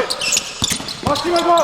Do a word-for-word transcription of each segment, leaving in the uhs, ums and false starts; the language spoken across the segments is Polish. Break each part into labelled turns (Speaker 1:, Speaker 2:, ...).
Speaker 1: Właściwe go!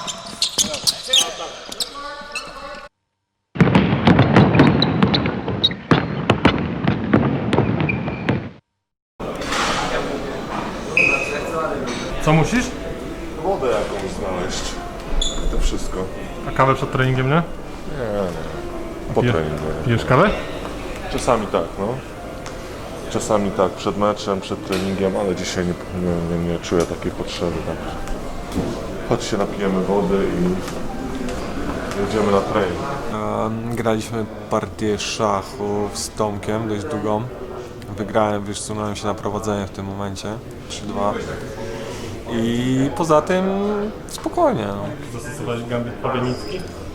Speaker 1: Co musisz?
Speaker 2: Wodę jakąś znaleźć. To wszystko.
Speaker 1: A kawę przed treningiem, nie?
Speaker 2: Nie, nie. Po
Speaker 1: Pije-
Speaker 2: treningu.
Speaker 1: Pijesz kawę?
Speaker 2: Czasami tak, no. Czasami tak, przed meczem, przed treningiem, ale dzisiaj nie, nie, nie, nie czuję takiej potrzeby. Tak. Chodź się napijemy wody i jedziemy na trening.
Speaker 3: Um, graliśmy partię szachów z Tomkiem, dość długą. Wygrałem, wysunąłem się na prowadzenie w tym momencie, trzy dwa. I poza tym spokojnie. No.
Speaker 1: Zastosowałeś gambit Pawienicki?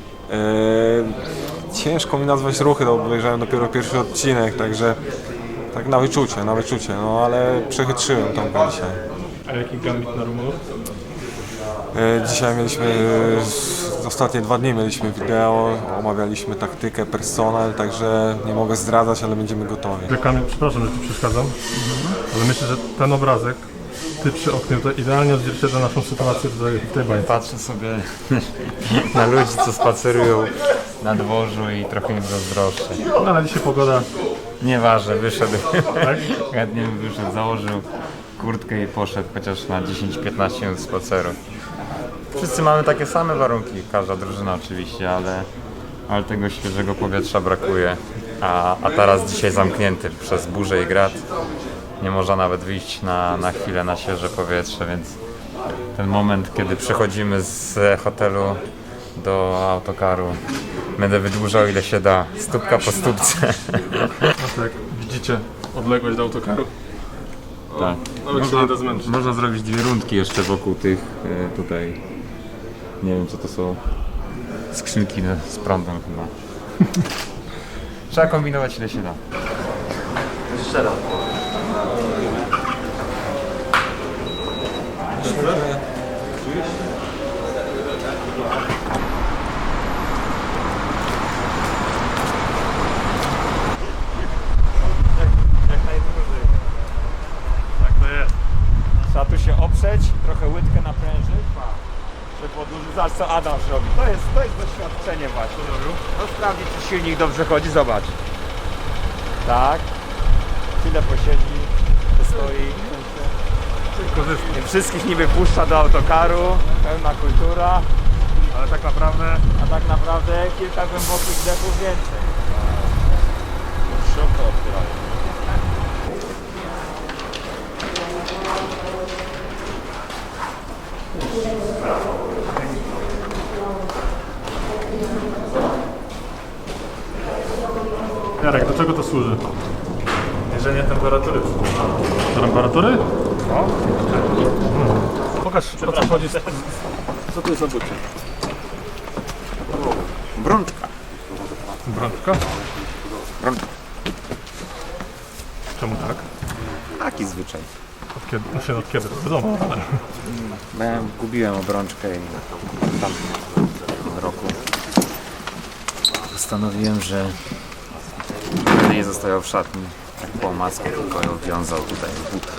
Speaker 3: Eee, ciężko mi nazwać ruchy, bo obejrzałem dopiero pierwszy odcinek, także tak na wyczucie, na wyczucie, no ale przechytrzyłem Tomka dzisiaj.
Speaker 1: A jaki gambit na Rumunów?
Speaker 3: E, Dzisiaj mieliśmy, e, ostatnie dwa dni mieliśmy wideo, omawialiśmy taktykę, personel, także nie mogę zdradzać, ale będziemy gotowi.
Speaker 1: Kamil, przepraszam, że Ci przeszkadzam, ale myślę, że ten obrazek, Ty przy oknie, to idealnie odzwierciedla naszą sytuację tutaj w tej bańce.
Speaker 4: Patrzę sobie na ludzi, co spacerują na dworzu i trochę im zazdroszczę.
Speaker 1: No ale dzisiaj pogoda,
Speaker 4: Nieważne, wyszedł,
Speaker 1: tak?
Speaker 4: chętnie bym wyszedł, założył kurtkę i poszedł chociaż na dziesięć piętnaście minut spaceru. Wszyscy mamy takie same warunki, każda drużyna oczywiście, ale, ale tego świeżego powietrza brakuje. A, a teraz dzisiaj zamknięty przez burzę i grad. Nie można nawet wyjść na, na chwilę na świeże powietrze, więc ten moment, kiedy przechodzimy z hotelu do autokaru, będę wydłużał ile się da, stópka po stópce.
Speaker 1: No jak widzicie, odległość do autokaru.
Speaker 4: Tak.
Speaker 1: Nawet się nie da zmęczyć.
Speaker 4: Można zrobić dwie rundki jeszcze wokół tych e, tutaj, nie wiem co to są, skrzynki z prądem chyba. Trzeba kombinować ile się da. Jeszcze raz.
Speaker 1: Tak to jest.
Speaker 4: Trzeba tu się oprzeć, trochę łydkę naprężyć, żeby podłużyć. Zobacz co Adam robi. To jest, to jest doświadczenie właśnie. No sprawdzi czy silnik dobrze chodzi, zobacz. Tak. Chwilę posiedzi, postoi.
Speaker 1: Korzystnie.
Speaker 4: Wszystkich niby puszcza do autokaru, pełna kultura,
Speaker 1: Ale tak naprawdę
Speaker 4: a tak naprawdę kilka głębokich wdechów więcej. Środka otwierają.
Speaker 1: Jarek, do czego to służy? Mierzenie temperatury. Temperatury? No. Pokaż, o co chodzi. Co to jest za bucie?
Speaker 3: Brączka.
Speaker 1: Brączka?
Speaker 3: Brączka.
Speaker 1: Czemu tak?
Speaker 3: Taki zwyczaj.
Speaker 1: Od kiedy? No się od kiedy? Wiadomo, ale...
Speaker 3: Bo ja gubiłem obrączkę i tam w roku postanowiłem, że będę nie zostawiał w szatni tak po masku, tylko ją wiązał tutaj w butach.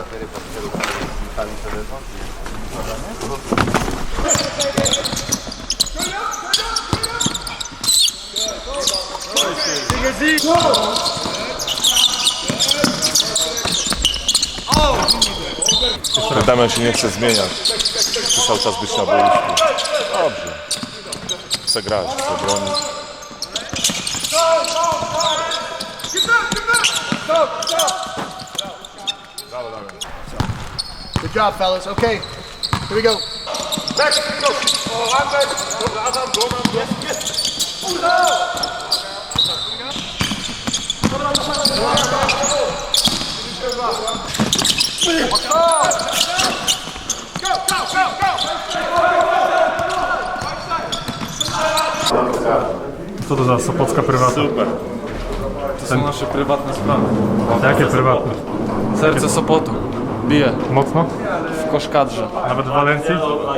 Speaker 2: Damian się nie chce zmieniać. Chce cały czas być na boisku. Dobrze. Chce grać, chce bronić.
Speaker 5: Good job, fellas. Okay, here we go.
Speaker 1: Co to za sopocka prywatna?
Speaker 2: Super.
Speaker 6: To są nasze prywatne sprawy.
Speaker 1: Jakie prywatne?
Speaker 6: Serce Sopotu bije
Speaker 1: Mocno?
Speaker 6: w koszkadrze.
Speaker 1: Nawet w Walencji?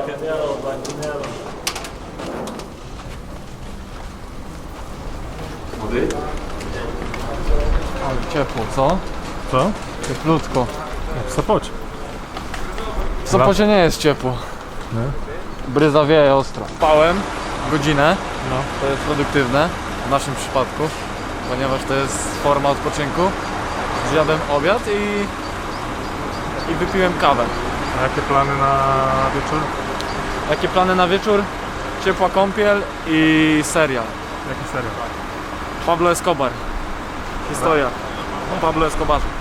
Speaker 6: Ale ciepło, co?
Speaker 1: Co?
Speaker 6: Cieplutko.
Speaker 1: W Sopocie.
Speaker 6: W Sopocie nie jest ciepło. Bryza wieje ostro. Spałem godzinę,
Speaker 1: No.
Speaker 6: to jest produktywne w naszym przypadku, ponieważ to jest forma odpoczynku. Zjadłem obiad i, i wypiłem kawę.
Speaker 1: A jakie plany na wieczór?
Speaker 6: Jakie plany na wieczór? Ciepła kąpiel i serial.
Speaker 1: Jaki serial?
Speaker 6: Pablo Escobar. Historia o Pablo Escobarze.